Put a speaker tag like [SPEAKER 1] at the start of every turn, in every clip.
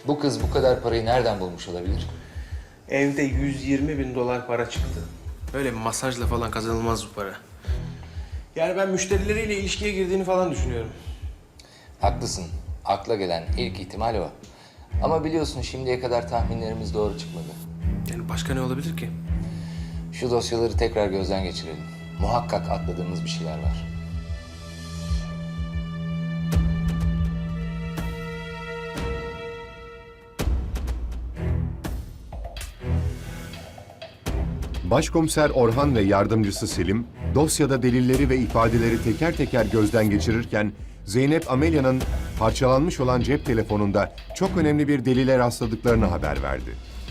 [SPEAKER 1] Bu kız bu kadar parayı nereden bulmuş olabilir?
[SPEAKER 2] Evde 120.000 dolar para çıktı. Öyle masajla falan kazanılmaz bu para. Yani ben müşterileriyle ilişkiye girdiğini falan düşünüyorum.
[SPEAKER 1] Haklısın. Akla gelen ilk ihtimal o. Ama biliyorsun şimdiye kadar tahminlerimiz doğru çıkmadı.
[SPEAKER 2] Yani başka ne olabilir ki?
[SPEAKER 1] Şu dosyaları tekrar gözden geçirelim. Muhakkak atladığımız bir şeyler var.
[SPEAKER 3] Başkomiser Orhan ve yardımcısı Selim, dosyada delilleri ve ifadeleri teker teker gözden geçirirken, Zeynep Amelia'nın parçalanmış olan cep telefonunda çok önemli bir delile rastladıklarını haber verdi.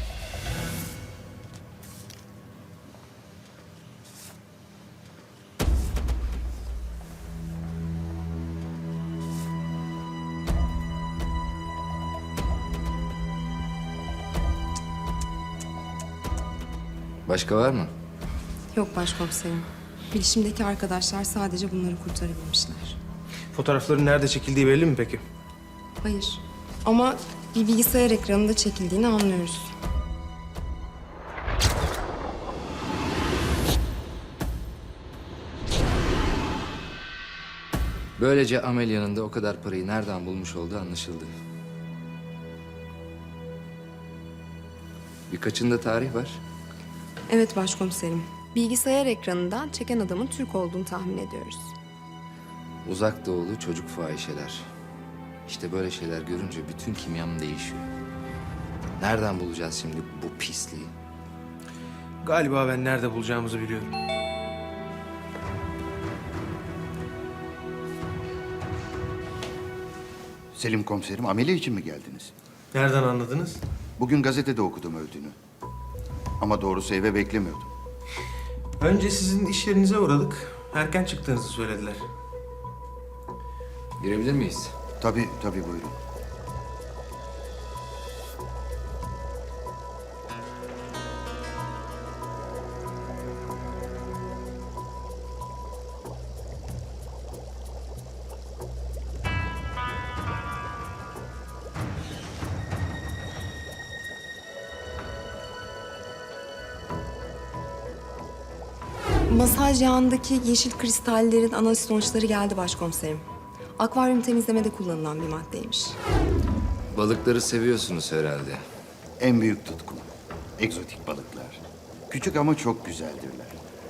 [SPEAKER 1] Başka var mı?
[SPEAKER 4] Yok başkomiserim. Bilişimdeki arkadaşlar sadece bunları kurtarabilmişler.
[SPEAKER 2] Fotoğrafların nerede çekildiği belli mi peki?
[SPEAKER 4] Hayır. Ama bir bilgisayar ekranında çekildiğini anlıyoruz.
[SPEAKER 1] Böylece Amelia'nın da o kadar parayı nereden bulmuş olduğu anlaşıldı. Birkaçında tarih var.
[SPEAKER 4] Evet başkomiserim. Bilgisayar ekranından çeken adamın Türk olduğunu tahmin ediyoruz.
[SPEAKER 1] Uzak doğulu çocuk fahişeler. İşte böyle şeyler görünce bütün kimyam değişiyor. Nereden bulacağız şimdi bu pisliği?
[SPEAKER 2] Galiba ben nerede bulacağımızı biliyorum.
[SPEAKER 5] Selim komiserim, ameliye için mi geldiniz?
[SPEAKER 2] Nereden anladınız?
[SPEAKER 5] Bugün gazetede okudum öldüğünü. Ama doğrusu eve beklemiyordum.
[SPEAKER 2] Önce sizin iş yerinize uğradık. Erken çıktığınızı söylediler.
[SPEAKER 1] Girebilir miyiz?
[SPEAKER 5] Tabii, tabii buyurun.
[SPEAKER 4] Masaj yağındaki yeşil kristallerin analiz sonuçları geldi başkomiserim. Akvaryum temizlemede kullanılan bir maddeymiş.
[SPEAKER 1] Balıkları seviyorsunuz herhalde.
[SPEAKER 5] En büyük tutkum. Egzotik balıklar. Küçük ama çok güzeldirler.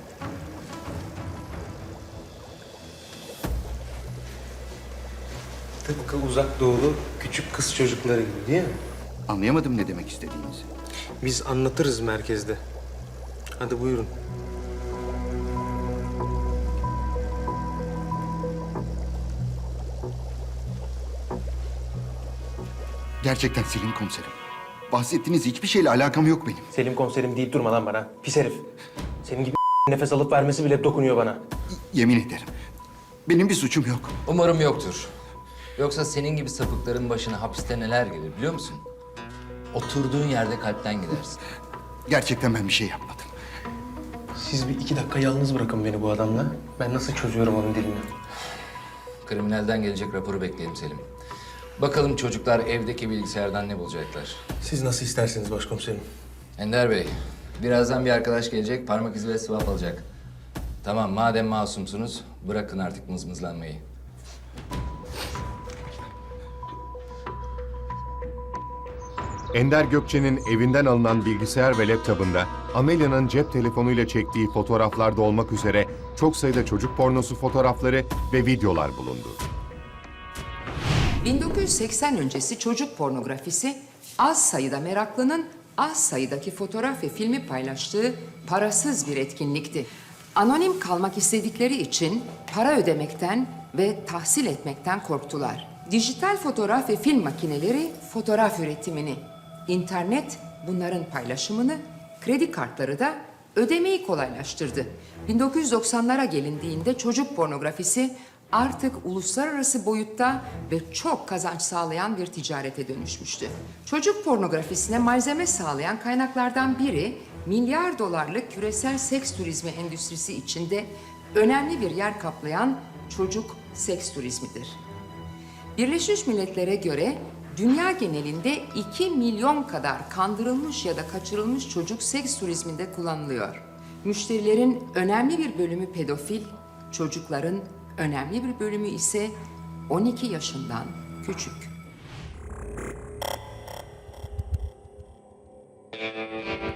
[SPEAKER 2] Tıpkı uzak doğulu küçük kız çocukları gibi değil mi?
[SPEAKER 5] Anlayamadım ne demek istediğinizi.
[SPEAKER 2] Biz anlatırız merkezde. Hadi buyurun.
[SPEAKER 5] Gerçekten Selim komiserim. Bahsettiğiniz hiçbir şeyle alakam yok benim.
[SPEAKER 2] Selim komiserim deyip durma lan bana. Pis herif. Senin gibi nefes alıp vermesi bile dokunuyor bana.
[SPEAKER 5] Yemin ederim. Benim bir suçum yok.
[SPEAKER 1] Umarım yoktur. Yoksa senin gibi sapıkların başına hapiste neler gelir biliyor musun? Oturduğun yerde kalpten gidersin.
[SPEAKER 5] Gerçekten ben bir şey yapmadım.
[SPEAKER 2] Siz bir 2 dakika yalnız bırakın beni bu adamla. Ben nasıl çözüyorum onun dilini?
[SPEAKER 1] Kriminalden gelecek raporu bekleyelim Selim. Bakalım çocuklar evdeki bilgisayardan ne bulacaklar.
[SPEAKER 2] Siz nasıl isterseniz başkomiserim.
[SPEAKER 1] Ender Bey, birazdan bir arkadaş gelecek, parmak izi ve swap alacak. Tamam, madem masumsunuz, bırakın artık mızmızlanmayı.
[SPEAKER 3] Ender Gökçe'nin evinden alınan bilgisayar ve laptopunda Amelia'nın cep telefonuyla çektiği fotoğraflarda olmak üzere çok sayıda çocuk pornosu fotoğrafları ve videolar bulundu.
[SPEAKER 6] 1980 öncesi çocuk pornografisi az sayıda meraklının az sayıdaki fotoğraf ve filmi paylaştığı parasız bir etkinlikti. Anonim kalmak istedikleri için para ödemekten ve tahsil etmekten korktular. Dijital fotoğraf ve film makineleri fotoğraf üretimini, internet bunların paylaşımını, kredi kartları da ödemeyi kolaylaştırdı. 1990'lara gelindiğinde çocuk pornografisi artık uluslararası boyutta ve çok kazanç sağlayan bir ticarete dönüşmüştü. Çocuk pornografisine malzeme sağlayan kaynaklardan biri milyar dolarlık küresel seks turizmi endüstrisi içinde önemli bir yer kaplayan çocuk seks turizmidir. Birleşmiş Milletler'e göre Dünya genelinde 2 milyon kadar kandırılmış ya da kaçırılmış çocuk seks turizminde kullanılıyor. Müşterilerin önemli bir bölümü pedofil, çocukların önemli bir bölümü ise 12 yaşından küçük.